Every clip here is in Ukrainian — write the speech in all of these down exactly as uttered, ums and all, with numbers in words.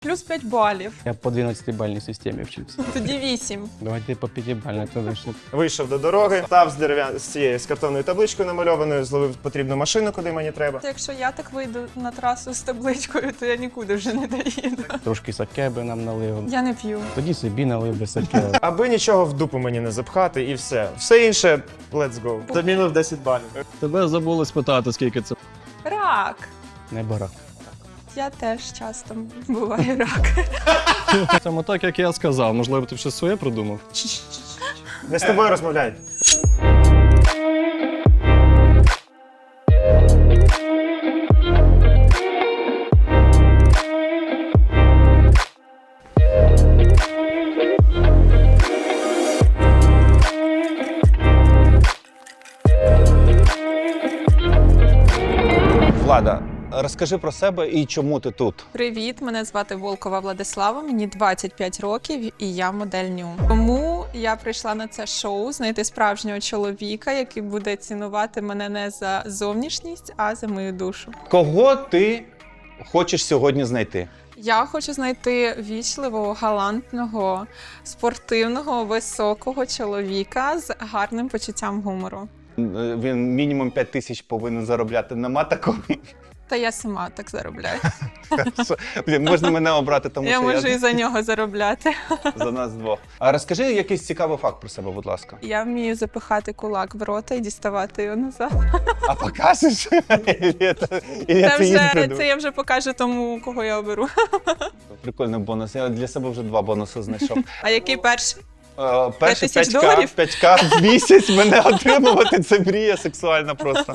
Плюс п'ять балів. Я по дванадцятибальній системі вчився. Тоді вісім. Давайте по п'ятибальній, тоді що. Вийшов до дороги, став з дерев'я з цією з картонною табличкою намальованою, зловив потрібну машину, куди мені треба. Якщо я так вийду на трасу з табличкою, то я нікуди вже не доїду. Трошки саке би нам налив. Я не п'ю. Тоді собі налив би саке. Аби нічого в дупу мені не запхати і все. Все інше – let's go. Замінив десять балів. Тебе забули спитати, скільки це. Рак. Не бара. Я теж часто буває рак. Саме так, як я сказав. Можливо, ти щось своє придумав? Не з тобою розмовляють. Влада, розкажи про себе і чому ти тут. Привіт, мене звати Волкова Владислава, мені двадцять п'ять років і я модель ню. Тому я прийшла на це шоу знайти справжнього чоловіка, який буде цінувати мене не за зовнішність, а за мою душу. Кого ти хочеш сьогодні знайти? Я хочу знайти вічливого, галантного, спортивного, високого чоловіка з гарним почуттям гумору. Він мінімум п'ять тисяч повинен заробляти. Нема такого? Та я сама так заробляю. Блін, можна мене обрати, тому Я що можу я і за нього заробляти. за нас двох. А розкажи якийсь цікавий факт про себе, будь ласка. Я вмію запихати кулак в рота і діставати його назад. А покажеш? Ілля, це- Ілля, Це це їй вже придумав. це я вже покажу тому, кого я оберу. Прикольний бонус. Я для себе вже два бонуси знайшов. А який перший? Е, Перший тисяч п'ять ка, доларів? п'ять ка в місяць мене отримувати. Це мрія сексуальна просто.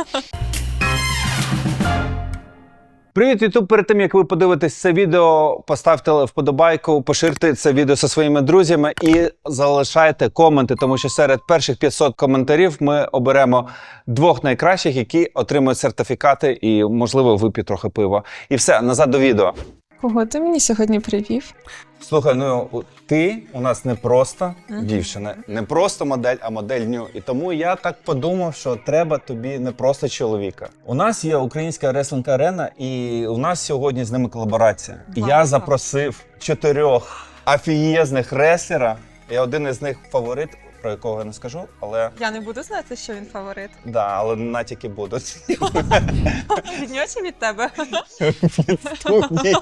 Привіт, Ютуб! Перед тим, як ви подивитесь це відео, поставте вподобайку, поширте це відео зі своїми друзями і залишайте коменти, тому що серед перших п'ятсот коментарів ми оберемо двох найкращих, які отримують сертифікати і, можливо, вип'ють трохи пива. І все, назад до відео. Кого ти мені сьогодні привів? Слухай, ну ти у нас не просто Мгм. дівчина, не просто модель, а модель ню. І тому я так подумав, що треба тобі не просто чоловіка. У нас є українська реслінг арена, і у нас сьогодні з ними колаборація. І я Вау. запросив чотирьох афієзних реслера, і один із них фаворит, про якого я не скажу, але Я не буду знати, що він фаворит. да, але натяки будуть. Від нього чи від тебе? Студії.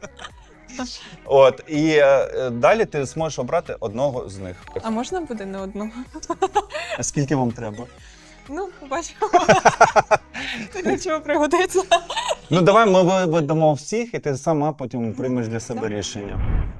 От, і е, далі ти зможеш обрати одного з них. А можна буде не одного? А скільки вам треба? Ну, побачимо. Для чого пригодиться. Ну давай ми виведемо всіх, і ти сама потім приймеш для себе Давай. рішення.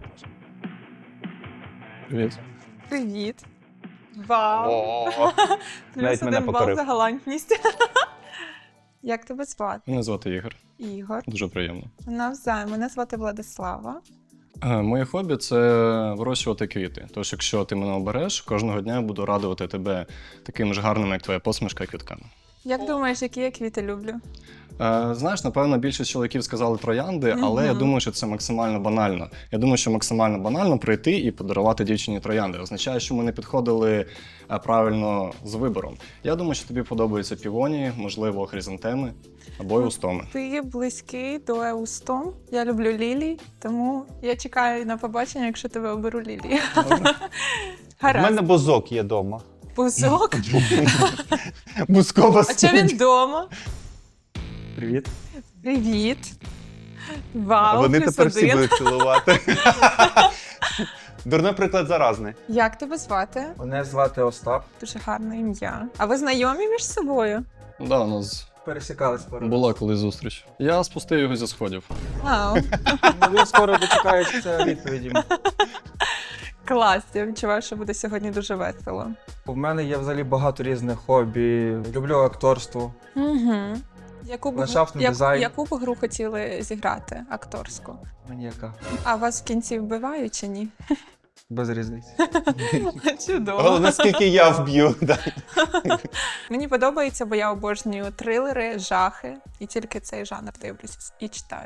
Привіт. Привіт. Вау. Плюс Навіть мене один бал покорив. за галантність. Як тебе звати? Мене звати Ігор. Ігор. Дуже приємно. Навзаєм. Мене звати Владислава. Е, Моє хобі – це вирощувати квіти. Тож, якщо ти мене обереш, кожного дня я буду радувати тебе таким ж гарним, як твоя посмішка, квітками. Як думаєш, які я квіти люблю? Е, знаєш, напевно, більшість чоловіків сказали троянди, але я Мгм. думаю, що це максимально банально. Я думаю, що максимально банально прийти і подарувати дівчині троянди. Означає, що ми не підходили е, правильно з вибором. Я думаю, що тобі подобаються півонії, можливо, хризантеми або еустоми. Ти близький до еустом. Я люблю лілії, тому я чекаю на побачення, якщо тебе оберу лілії. У Гаразд. мене бузок є вдома. Бузок? Бузкова А чого він вдома? Привіт. Привіт. Вау, Вони плюс тепер всі один. будуть цілувати. Дурний приклад заразний. Як тебе звати? Мене звати Остап. Дуже гарне ім'я. А ви знайомі між собою? Да, у нас Пересікались пару. була колись зустріч. Я спустив його зі сходів. Вау. Ну, він скоро дочекається відповіді. Клас, я відчуваю, що буде сьогодні дуже весело. У мене є взагалі багато різних хобі. Люблю акторство. Угу. Яку б, Ландшафтний як- дизайн. яку б гру хотіли зіграти акторську? Мені яка? А вас в кінці вбивають чи ні? Без різниці. Чудово. Головне, скільки я вб'ю. да. Мені подобається, бо я обожнюю трилери, жахи. І тільки цей жанр дивлюся і читаю.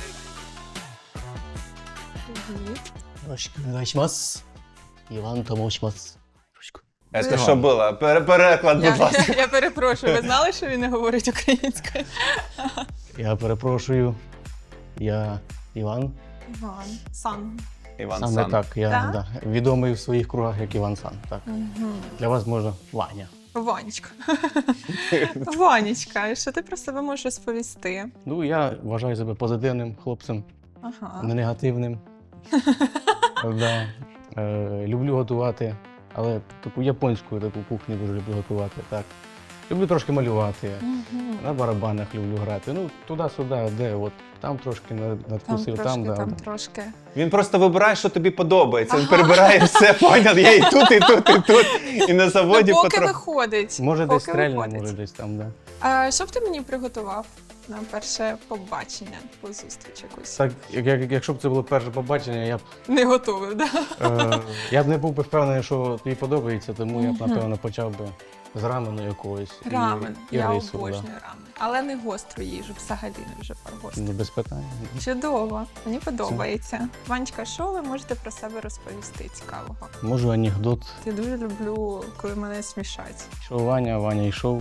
Привіт. よろしくお願いします。イワンと申します。よろしく。 Це що було? Пере- Переклад, будь Я, ласка. я, я перепрошую, ви знали, що він не говорить українською? Я перепрошую. Я Іван. Іван. Сан. Іван Саме Сан. так, я Так? да, відомий в своїх кругах як Іван Сан. Так. Угу. Для вас може Ваня. Ванечка. Ванечка, що ти про себе можеш розповісти? Ну, я вважаю себе позитивним хлопцем, Ага. не негативним. Да. Е, люблю готувати, але таку японську таку кухню дуже люблю готувати. Так. Люблю трошки малювати, Мгм. на барабанах люблю грати. Ну, туди-сюди, де от там трошки над- Там надкусив, трошки, там, да. там трошки. Він просто вибирає, що тобі подобається. Він перебирає все, поняв? Я і тут, і тут, і тут. І на заводі Ну, поки потроху. виходить. Може поки десь стрельне, виходить. може десь там, да. А, що б ти мені приготував на перше побачення, по зустріч якусь? Так, як, як, якщо б це було перше побачення, я б, Не готовий, да? е, я б не був би впевнений, що тобі подобається, тому я б, Мгм. напевно, почав би з рамену якогось. і- Рамен. І, Я рису, обожнюю рамен. Але не гостру їжу, взагалі не вже про да. гостру. Ну, без питань. Чудово, мені подобається. Ванечка, що ви можете про себе розповісти цікавого? Можу анекдот. Я дуже люблю, коли мене смішать. Йшов Ваня, Ваня йшов.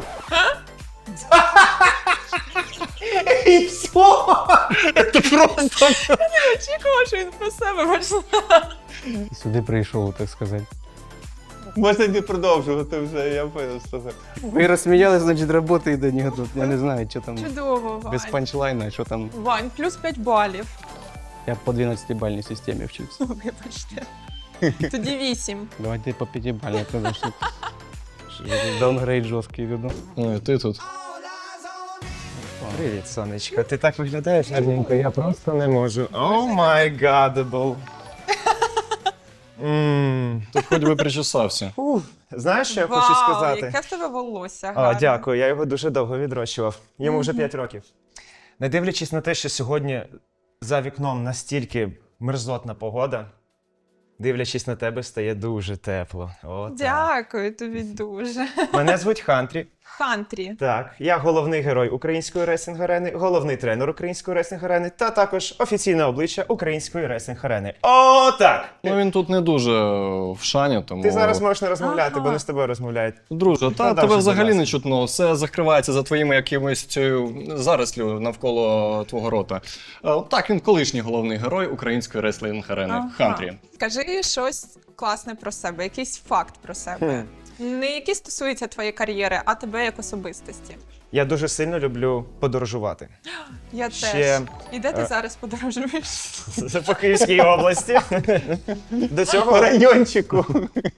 І все! Це просто. Очікувала, що він про себе почне. І сюди прийшов, так сказати. Можна не продовжувати вже, я понял, що це. Ви розсміялися, значить, робота йде анекдот. Я не знаю, що там Чудово, Вань. без панчлайна, що там. Вань, плюс п'ять балів. Я по дванадцятибальній системі вчився. Вибачте. Тоді вісім. Давайте по п'ятибальній, тому що даунгрейд жорсткий відомо. Ну і ти тут. Привіт, сонечко. Ти так виглядаєш гарненько, я просто не можу. О май гадабл. Тут хоч би причесався. Знаєш, що я Вау, хочу сказати? яке в тебе волосся А, гарне. дякую, я його дуже довго відрощував. Йому вже п'ять років. Не дивлячись на те, що сьогодні за вікном настільки мерзотна погода, дивлячись на тебе, стає дуже тепло. О, так. Дякую тобі дуже. Мене звуть Хантрі. Хантрі. Так, я головний герой української реслінг-арени, головний тренер української реслінг-арени та також офіційне обличчя української реслінг-арени. О, так! Ну він тут не дуже в шані, тому. Ти зараз можеш не розмовляти, Ага. бо не з тобою розмовляють. Друже, та Продовжуй, тебе будь взагалі ласка. не чутно. Все закривається за твоїми якимось цією зарослю навколо твого рота. Е, Так, він колишній головний герой української реслінг-арени. Ага. Хантрі. Скажи щось класне про себе, якийсь факт про себе. Не який стосується твоєї кар'єри, а тебе як особистості. Я дуже сильно люблю подорожувати. Я Ще, теж. І де ти е, зараз подорожуєш? Це по Київській області. До цього, райончику.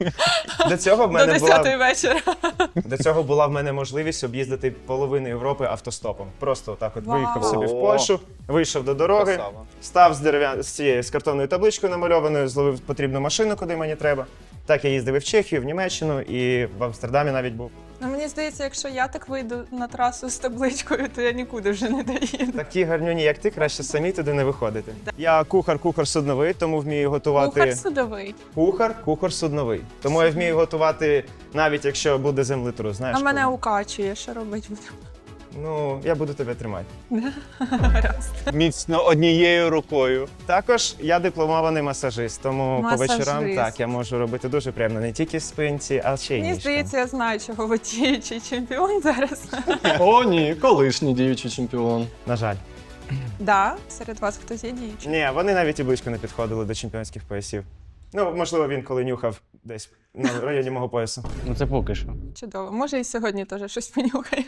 до цього в До мене десятої була вечора. до цього була в мене можливість об'їздити половину Європи автостопом. Просто отак от Вау. виїхав собі в О. Польщу, вийшов до дороги, Красава. став з дерев'я... з цією з картонною табличкою намальованою, зловив потрібну машину, куди мені треба. Так я їздив і в Чехію, в Німеччину, і в Амстердамі навіть був. Ну, мені здається, якщо я так вийду на трасу з табличкою, то я нікуди вже не доїду. Такі гарнюні, як ти, краще самі туди не виходити. Я кухар, кухар судновий, тому вмію готувати. Кухар судовий. Кухар, кухар судновий. Тому я вмію готувати, навіть якщо буде землетрус. Знаєш, А мене коли. укачує, що робить буде? Ну, я буду тебе тримати. Гаразд. Міцно однією рукою. Також я дипломований масажист, тому Масажист. по вечорам так я можу робити дуже приємно не тільки спинці, а ще й Мені ніжкам. здається, я знаю, чого ви діючий чемпіон зараз. О, ні, колишній діючий чемпіон. На жаль. Да, серед вас хтось є діючий. Ні, вони навіть і близько не підходили до чемпіонських поясів. Ну, можливо, він коли нюхав десь на районі мого поясу. Ну це поки що. Чудово. Може, і сьогодні теж щось понюхає.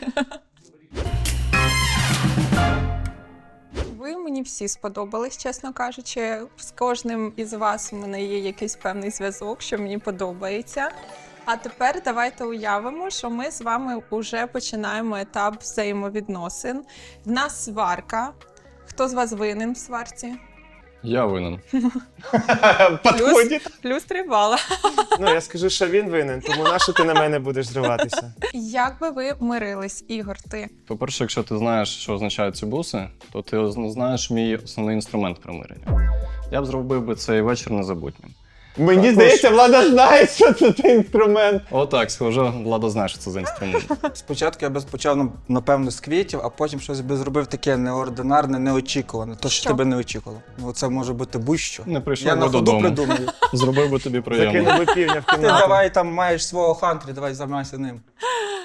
Ви мені всі сподобались, чесно кажучи. З кожним із вас у мене є якийсь певний зв'язок, що мені подобається. А тепер давайте уявимо, що ми з вами вже починаємо етап взаємовідносин. В нас сварка. Хто з вас винен в сварці? Я винен. Плюс, плюс три бала. Ну, я скажу, що він винен, тому на що ти на мене будеш зриватися? Як би ви мирились, Ігор, ти? По-перше, якщо ти знаєш, що означають ці буси, то ти знаєш мій основний інструмент примирення. Я б зробив би цей вечір незабутнім. Мені здається, влада знає, що це за інструмент. Отак, схоже, Влада знає, що це за інструмент. Спочатку я би почав, напевно, з квітів, а потім щось би зробив таке неординарне, неочікуване. То, що Що? тебе не очікувало. Ну, це може бути будь-що. Не прийшов Я би на ходу додому. придумаю. Зробив би тобі приємно. Закинув би півня в Ти кімнату. давай там маєш свого хантрі, давай займайся ним.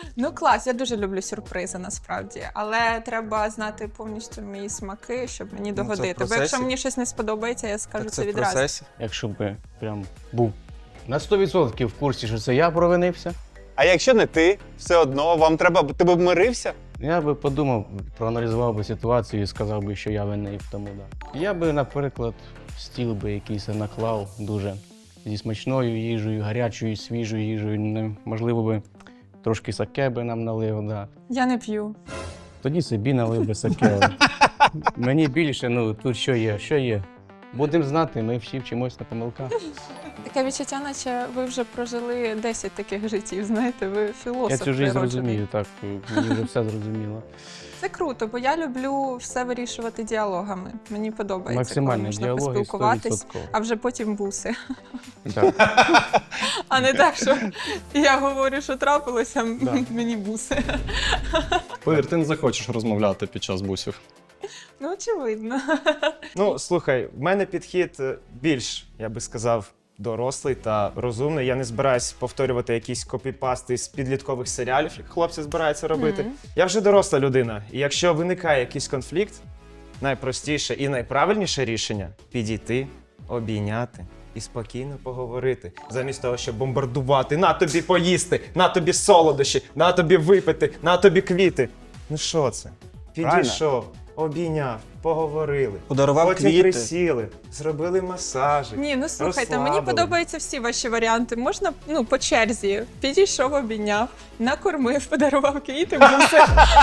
Ну клас, я дуже люблю сюрпризи насправді, але треба знати повністю мої смаки, щоб мені Ну, це в догодити. Бо процесі. якщо мені щось не сподобається, я скажу Так це це в відразу. процесі. Якщо б прям був на сто відсотків в курсі, що це я провинився, А якщо не ти, все одно вам треба, ти б мирився? я би подумав, проаналізував би ситуацію і сказав би, що я винний в тому, да. Я би, наприклад, стіл би якийсь наклав дуже зі смачною їжею, гарячою, свіжою їжею. Не- Можливо би трошки саке би нам налив, да. Я не п'ю. Тоді собі налив би саке. Мені більше, ну тут що є, що є. Будемо знати, ми всі вчимось на помилках. Таке відчуття, наче ви вже прожили десять таких життів, знаєте, ви філософ. Я цю життя природжений. зрозумію, так, мені вже все зрозуміло. Це круто, бо я люблю все вирішувати діалогами. Мені подобається, коли Максимальний можна діалог і поспілкуватись, сто відсотків. а вже потім буси. Так. А не так, що я говорю, що трапилося, м- Да. мені буси. Повір, ти не захочеш розмовляти під час бусів. Ну, очевидно. Ну, слухай, в мене підхід е, більш, я би сказав, дорослий та розумний. Я не збираюсь повторювати якісь копіпасти з підліткових серіалів, як хлопці збираються робити. Мгм. Я вже доросла людина, і якщо виникає якийсь конфлікт, найпростіше і найправильніше рішення підійти, обійняти і спокійно поговорити. Замість того, щоб бомбардувати, на тобі поїсти, на тобі солодощі, на тобі випити, на тобі квіти. Ну що це? Підійшов, обійняв, поговорили. Подарував Потім квіти. присіли, зробили масажик. Ні, ну слухайте, мені розслабили. подобаються всі ваші варіанти. Можна ну, по черзі. Підійшов, обійняв, накормив, подарував квіти, буси.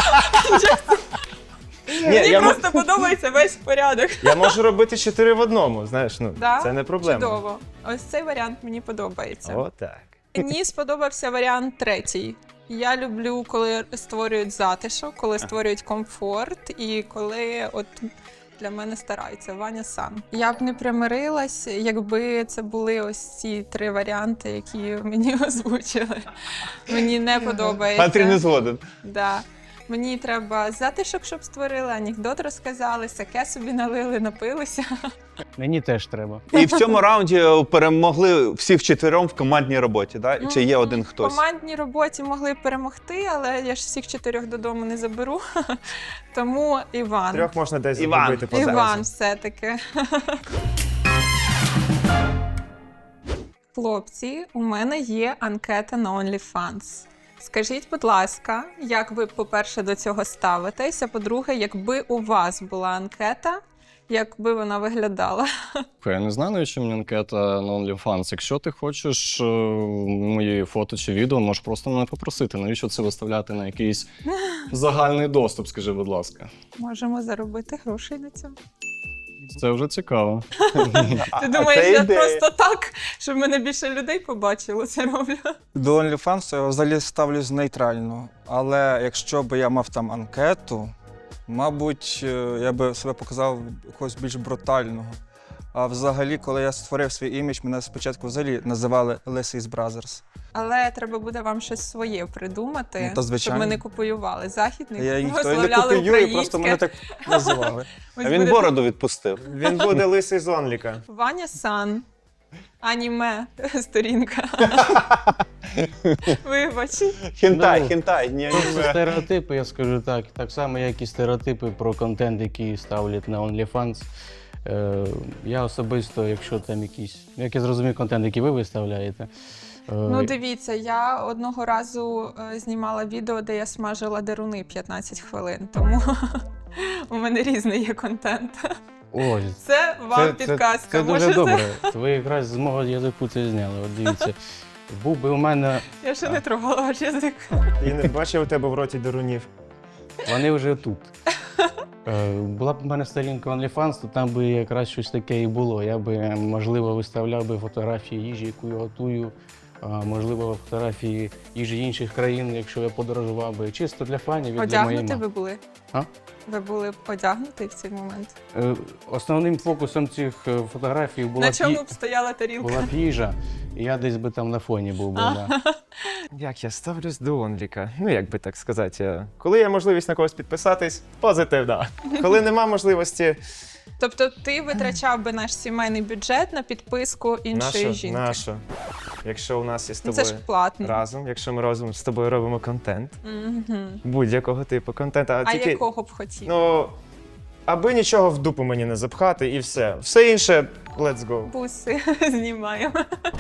Ні, Мені я, мо- просто подобається весь порядок. я можу робити чотири в одному, знаєш, ну, Да? це не проблема. Чудово. Ось цей варіант мені подобається. Отак. Мені сподобався варіант третій. Я люблю, коли створюють затишок, коли створюють комфорт і коли от для мене стараються. Ваня сам. Я б не примирилась, якби це були ось ці три варіанти, які мені озвучили. Мені не подобається. Патрі не згоден. Да. Мені треба затишок, щоб створили, анекдот розказали, саке собі налили, напилися. Мені теж треба. І в цьому раунді перемогли всі вчетвером в командній роботі, да? Чи є один В хтось? командній роботі могли б перемогти, але я ж всіх чотирьох додому не заберу. Тому Іван. Трьох можна десь Іван. зробити по Іван зарізу. все-таки. Хлопці, у мене є анкета на OnlyFans. Скажіть, будь ласка, як ви, по-перше, до цього ставитесь, а по-друге, якби у вас була анкета, як би вона виглядала? Я не знаю, навіщо мені анкета на OnlyFans. Якщо ти хочеш е, мої фото чи відео, можеш просто мене попросити. Навіщо це виставляти на якийсь загальний доступ, скажи, будь ласка. Можемо заробити грошей на цьому. Це вже цікаво. Ти думаєш, це я ідея. просто так, щоб мене більше людей побачило, це роблю? До OnlyFans я взагалі ставлюсь нейтрально. Але якщо б я мав там анкету, мабуть, е, я би себе показав якогось більш брутального. А взагалі, коли я створив свій імідж, мене спочатку взагалі називали Lesis Brothers. Але треба буде вам щось своє придумати, Ну, та щоб звичайно. ми не копіювали західних, Я ніхто і не висловляли копіюю, просто мене українське. так називали. Ось А він буде бороду відпустив. Він буде лисий з онліка. Ваня Сан. Аніме сторінка. Вибач. Хінтай, Ну, хінтай. Ні, Просто стереотипи, я скажу так. Так само, як і стереотипи про контент, який ставлять на OnlyFans. Е, я особисто, якщо там якийсь, як я зрозумів, контент, який ви виставляєте. е, Ну дивіться, я одного разу е, знімала відео, де я смажила деруни п'ятнадцять хвилин, тому у мене різний є контент. ось, Це вам підказка. Це, це дуже Можете- добре. Ви якраз з мого язику це зняли. От дивіться. Був би у мене, Я ще не трогала ваш язик. І не бачив у тебе в роті дерунів. вони вже тут. Е, Була б у мене сторінка OnlyFans, то там би якраз щось таке і було. Я би, можливо, виставляв би фотографії їжі, яку я готую, а, можливо, фотографії їжі інших країн, якщо я подорожував би. Чисто для фанів і для моєї Одягнути мами. ви були? А? Ви були б одягнуті в цей момент? Е, Основним фокусом цих е, фотографій була, На чому б, б стояла тарілка? була б їжа, і я десь би там на фоні був би. А. Да. Як я ставлюсь до онліка? Ну, як би так сказати. е, Коли є можливість на когось підписатись, позитивно. Коли нема можливості, Тобто ти витрачав би наш сімейний бюджет на підписку іншої наша, жінки? наша. якщо у нас є з Ну, Це тобою ж платно. разом, якщо ми разом з тобою робимо контент, Мгм. будь-якого типу контенту, а, А тільки, якого б хотів? ну, аби нічого в дупу мені не запхати і все. Все інше, let's go. Буси знімаємо.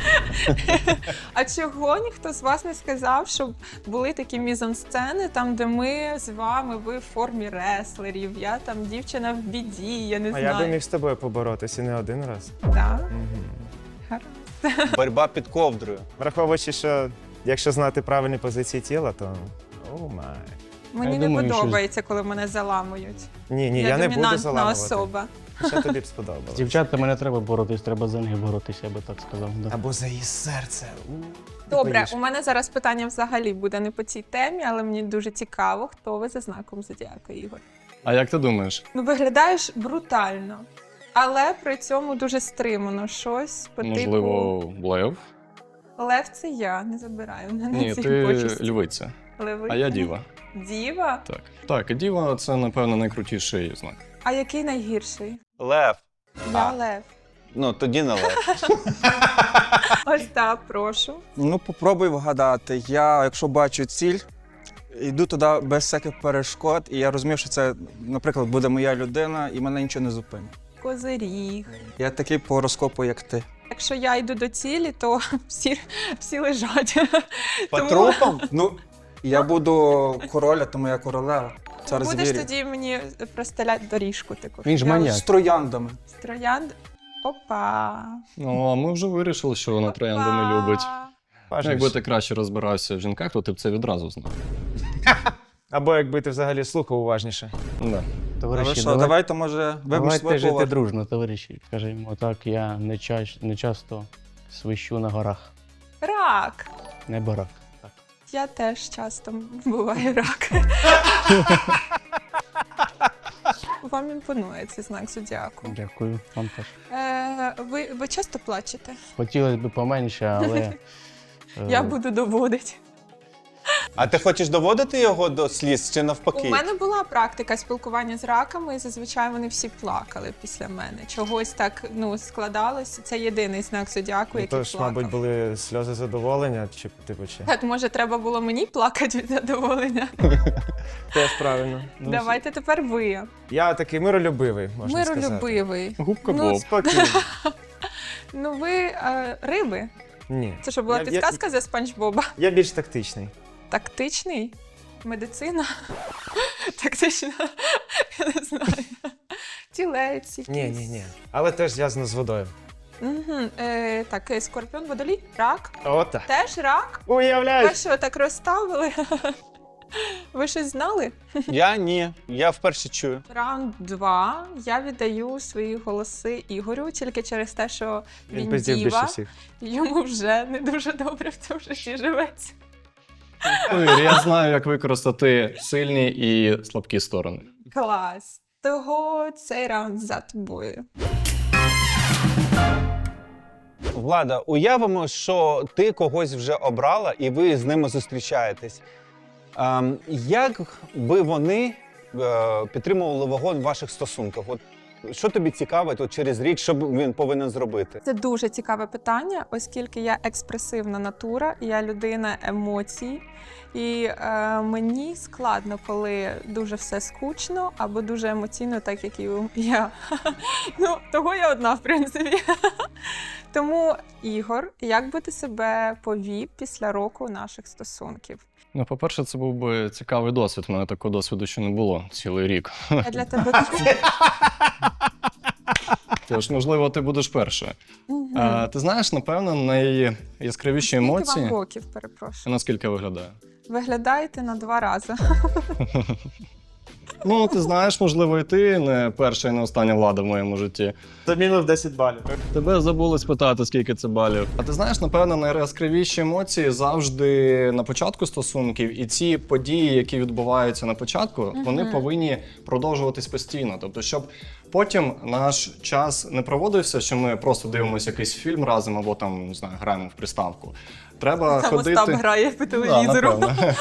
А чого ніхто з вас не сказав, щоб були такі мізансцени, там, де ми з вами, ви в формі реслерів, я там дівчина в біді, я не А знаю. я би міг з тобою поборотися не один раз. Да? Угу. Гаразд. Боротьба під ковдрою. Враховуючи, що якщо знати правильні позиції тіла, то о май. Мені Я не думаю, що- подобається, коли мене заламують. Ні, ні, я я, не буду домінантна заламувати. особа. Хоча тобі б З сподобалось. дівчатами не треба боротись, треба за них боротися, я би так сказав. Да. Або за її серце. У, Добре, поїж. у мене зараз питання взагалі буде не по цій темі, але мені дуже цікаво, хто ви за знаком зодіака, Ігор. А як ти думаєш? Ну, виглядаєш брутально, але при цьому дуже стримано. Щось по Можливо, лев? типу Лев це я, не забираю в мене Ні, ці ти почесті. львиця, Леви. а я діва. Діва? Так. Так, і діва це, напевно, найкрутіший знак. А який найгірший? Лев. Я А. лев. Ну, тоді не лев. Ось так, прошу. Ну, попробуй вгадати. Я, якщо бачу ціль, йду туди без всяких перешкод, і я розумію, що це, наприклад, буде моя людина, і мене нічого не зупинить. Козиріг. Я такий по гороскопу, як ти. Якщо я йду до цілі, то всі, всі лежать. По Тому трупам? Ну, я буду короля, тому я королева. Цар Будеш звірів. тоді мені простеляти доріжку таку. Він ж Я маньяк. З трояндами. з Троянд. Опа. Ну, а ми вже вирішили, що вона троянди не любить. Ну, Важливо. якби ти краще розбирався в жінках, то ти б це відразу знав. Або якби ти взагалі слухав уважніше. Да. Але Товариші, що, давай- давайте, може, вибач давайте своє жити повар. дружно, товариші. Скажімо так, я не, ча- не часто свищу на горах. Рак. Не барак. Так. Я теж часто буваю рак. Вам імпонує цей знак зодіаку. Дякую, вам теж. Е, ви, ви часто плачете? Хотілося б поменше, але. е, Я буду доводити. А ти хочеш доводити його до сліз чи навпаки? У мене була практика спілкування з раками, і зазвичай вони всі плакали після мене. Чогось так ну складалося. Це єдиний знак зодіаку, Ну, який то ж, плакав. мабуть, були сльози задоволення, чи типу чи. Так, може, треба було мені плакати від задоволення? Теж правильно. ну, Давайте тепер ви. Я такий миролюбивий, можна сказати. Миролюбивий. Губка Ну, Боб. Спокійно. Ну ви е, риби. Ні. Це що була Я- я- підказка за Спанч Боба? Я більш тактичний. Тактичний? Медицина? Тактична? Я не знаю. Тілець якийсь. Ні, ні, ні. Але теж зв'язано з водою. Угу. Е, так, е, скорпіон, водолій, рак. Ота. Теж рак? Ви Уявляєш? що, так розставили? Ви щось знали? Я ні. Я вперше чую. Раунд два. Я віддаю свої голоси Ігорю тільки через те, що Він він, пиздів більше діва. всіх. Йому вже не дуже добре в цьому житті живеться. Повір, я знаю, як використати сильні і слабкі сторони. Клас. Того цей раунд за тобою. Влада, уявимо, що ти когось вже обрала і ви з ними зустрічаєтесь. Ем, як би вони е, підтримували вогонь в ваших стосунках? От що тобі цікавить от через рік, що б він повинен зробити? Це дуже цікаве питання, оскільки я експресивна натура, я людина емоцій. І е, мені складно, коли дуже все скучно або дуже емоційно, так як і я. Ну, того я одна, в принципі. Тому, Ігор, як би ти себе повів після року наших стосунків? Ну, по-перше, це був би цікавий досвід. У мене такого досвіду ще не було цілий рік. Я для тебе Тож, можливо, ти будеш перша. Мгм. А, ти знаєш, напевно, найяскравіші Скільки емоції. вам років, перепрошую? Наскільки виглядає? Виглядаєте на два рази. Ну, ти знаєш, можливо, і ти не перша і не остання влада в моєму житті. Це мінус десять балів. Тебе забули спитати, скільки це балів. А ти знаєш, напевно, найяскравіші емоції завжди на початку стосунків, і ці події, які відбуваються на початку, вони повинні продовжуватись постійно. Тобто, щоб потім наш час не проводився, що ми просто дивимося якийсь фільм разом або там, не знаю, граємо в приставку. Треба Там ходити. Остап грає по Да, телевізору. напевно.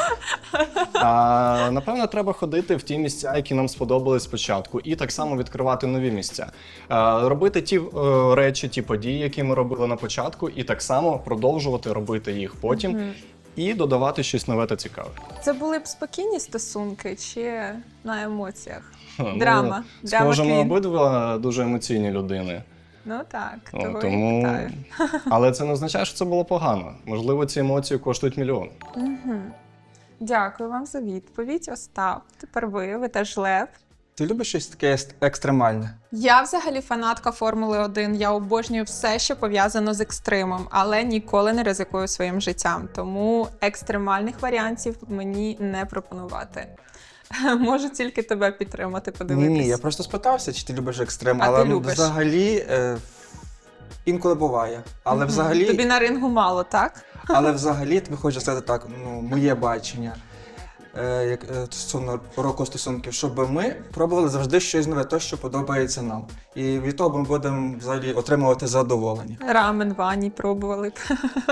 А, напевно, треба ходити в ті місця, які нам сподобались спочатку, і так само відкривати нові місця. А, робити ті е, речі, ті події, які ми робили на початку, і так само продовжувати робити їх потім, Мгм. і додавати щось нове та цікаве. Це були б спокійні стосунки чи на емоціях? Ну, Драма. Драма Схоже, ми Queen. обидва дуже емоційні людини. Ну так, О, того і тому... питаю. Але це не означає, що це було погано. Можливо, ці емоції коштують мільйон. Угу. Дякую вам за відповідь, Остап. Тепер ви, ви теж Лев. Ти любиш щось таке ес- екстремальне? Я взагалі фанатка Формули один. Я обожнюю все, що пов'язано з екстримом, але ніколи не ризикую своїм життям. Тому екстремальних варіантів мені не пропонувати. Можу тільки тебе підтримати, Ні, подивитись. ні, я просто спитався, чи ти любиш екстрем, А але ти любиш? взагалі е, інколи буває. Але Мгм. взагалі, Тобі на рингу мало, так? але взагалі тобі хочу сказати так, ну, моє бачення. Е, як, е, стосовно року стосунків, щоб ми пробували завжди щось нове, те, що подобається нам. І від того ми будемо взагалі отримувати задоволення. Рамен Вані пробували б.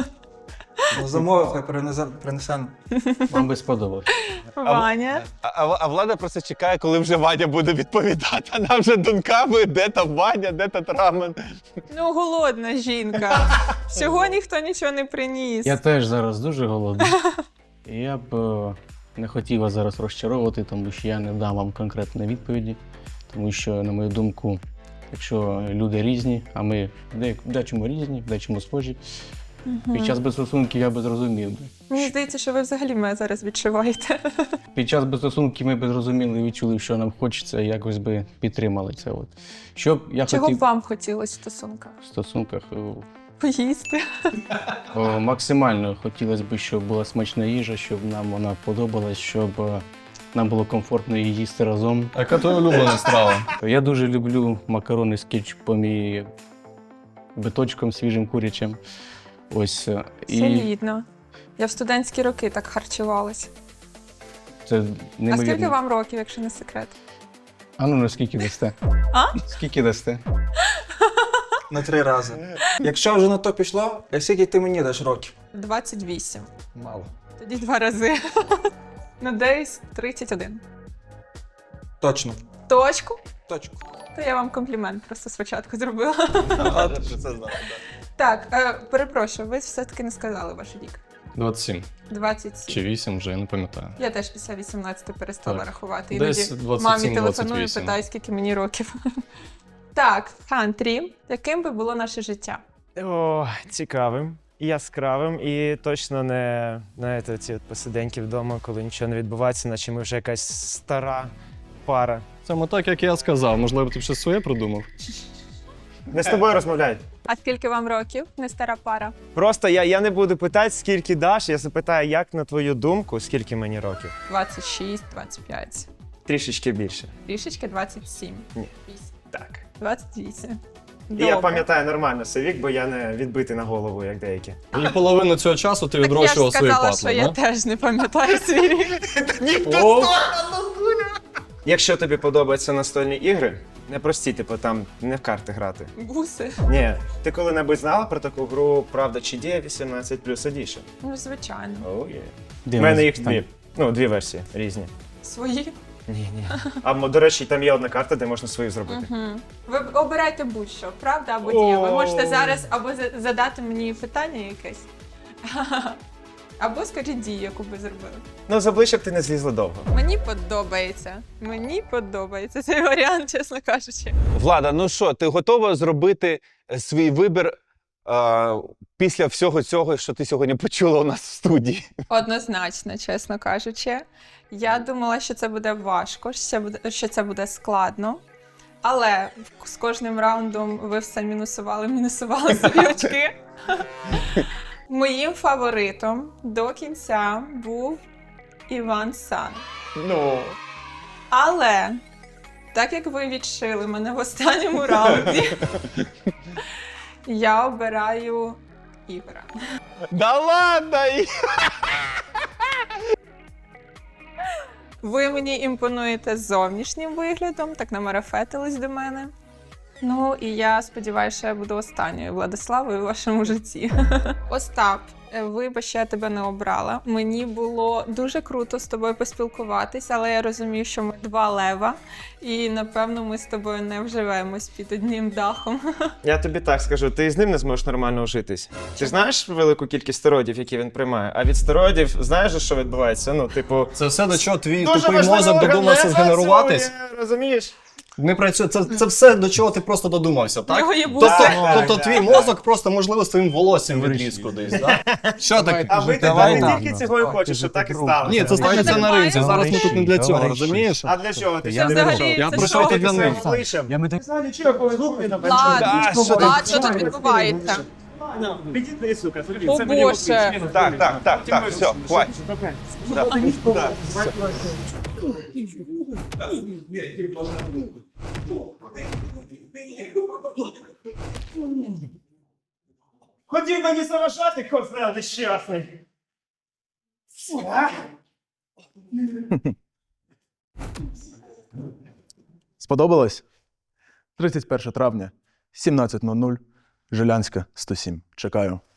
Ну, замови хай принесе, принесе. Вам би сподобалось. Ваня. А, а, а влада просто чекає, коли вже Ваня буде відповідати. Вона вже думками, де там Ваня, де там рамен. Ну, голодна жінка. Всього ніхто нічого не приніс. Я теж зараз дуже голодний. І я б е, не хотів вас зараз розчаровувати, тому що я не дам вам конкретної відповіді. Тому що, на мою думку, якщо люди різні, а ми в де- в дечому різні, в дечому схожі, під час безстосунків я би зрозумів. би. Мені здається, що ви взагалі мене зараз відчуваєте. Під час безстосунків ми б зрозуміли і відчули, що нам хочеться, і якось би підтримали це. От. Що б я Чого б хотів вам хотілося в стосунках? в стосунках? о, Поїсти. о, максимально хотілося б, щоб була смачна їжа, щоб нам вона подобалась, щоб е, нам було комфортно її їсти разом. А яка твоя улюблена страва? Я дуже люблю макарони з кетчупом і биточком свіжим курячим. Ось. е, І Солідно. Я в студентські роки так харчувалась. це А неймовірно. скільки вам років, якщо не секрет? А ну, ну скільки дасте? А? Скільки дасте? На три рази. Якщо вже на то пішло, а скільки ти мені даш років? двадцять вісім. Мало. Тоді два рази. Ну, десь тридцять один. Точно. Точку? Точку. То я вам комплімент просто спочатку зробила. А, ти це знала, Так, е, перепрошую, ви все-таки не сказали ваш вік. двадцять сім двадцять сім. чи вісім, вже я не пам'ятаю. Я теж після вісімнадцяти перестала Так. рахувати. Десь Іноді двадцять мамі сім телефоную, двадцять вісім. питаю, скільки мені років. Так, Хантрі, яким би було наше життя? О, цікавим, яскравим і точно не, знаєте, ці от посиденьки вдома, коли нічого не відбувається, наче ми вже якась стара пара. Саме так, як я сказав. Можливо, ти б щось своє придумав? Не з тобою розмовляють. А скільки вам років? Не стара пара. Просто я, я не буду питати, скільки даш, я запитаю, як на твою думку, скільки мені років? двадцять шість, двадцять п'ять. Трішечки більше. Трішечки двадцять сім. Ні. Вісім. Так. двадцять вісім. І Добре. я пам'ятаю нормально свій вік, бо я не відбитий на голову, як деякі. І половину цього часу ти Так я ж відрощував свої сказала, патли, що я да? теж не пам'ятаю свій рік. О, Якщо тобі подобаються настольні ігри, не прості, типу там не в карти грати. Буси. Ні, ти коли-небудь знала про таку гру «Правда чи дія» вісімнадцять плюс Edition? Ну, звичайно. Оу є. Де У мене ми- їх там- дві. Ну, дві версії різні. Свої. Ні, ні. А м, до речі, там є одна карта, де можна свою зробити. Угу. Ви обирайте будь-що, правда або дія. Ви О. можете зараз або за- задати мені питання якесь, або скажіть дію, яку ви зробили. Ну, з обличчя б ти не злізла довго. Мені подобається. Мені подобається цей варіант, чесно кажучи. Влада, ну що, ти готова зробити е, свій вибір е, після всього цього, що ти сьогодні почула у нас в студії? Однозначно, чесно кажучи. Я думала, що це буде важко, що це буде, що це буде складно. Але з кожним раундом ви все мінусували, мінусували собі очки. Моїм фаворитом до кінця був Іван Сан. Ну. Але так як ви відшили мене в останньому раунді, я обираю Ігора. Да ладно! Ви мені імпонуєте зовнішнім виглядом, так намарафетились до мене. Ну, і я сподіваюся, що я буду останньою Владиславою в вашому житті. Остап, вибач, що я тебе не обрала. Мені було дуже круто з тобою поспілкуватись, але я розумію, що ми два лева, і, напевно, ми з тобою не вживемось під одним дахом. Я тобі так скажу, ти з ним не зможеш нормально ужитись. Ти знаєш велику кількість стероїдів, які він приймає? А від стероїдів знаєш, що відбувається? Ну, типу, Це все, до чого твій дуже тупий важливий мозок орган додумався не згенеруватись. працює, розумієш? Не працює. Це, це все, до чого ти просто додумався, так? Його є Тобто, буси. тобто твій мозок просто, можливо, з твоїм волоссям відріз кудись, так? Що таке? А ви Давай ти так. тільки цього і хочеш, щоб так і сталося. Ні, це станеться на ринзі. Зараз ми тут не для цього, Давай. розумієш? А для чого ти Це сюди взагалі, прийшов? Я це прийшов що? тут для них. Я ми так... Влад, Да, що ти- Влад, що тут відбувається? Підійди, сука, О, Боже. Так, так, так, так, все, хватить. Хотів мені заважати, козел нещасний. Сподобалось? тридцять перше травня, сімнадцять нуль нуль, Жилянська, сто сім. Чекаю.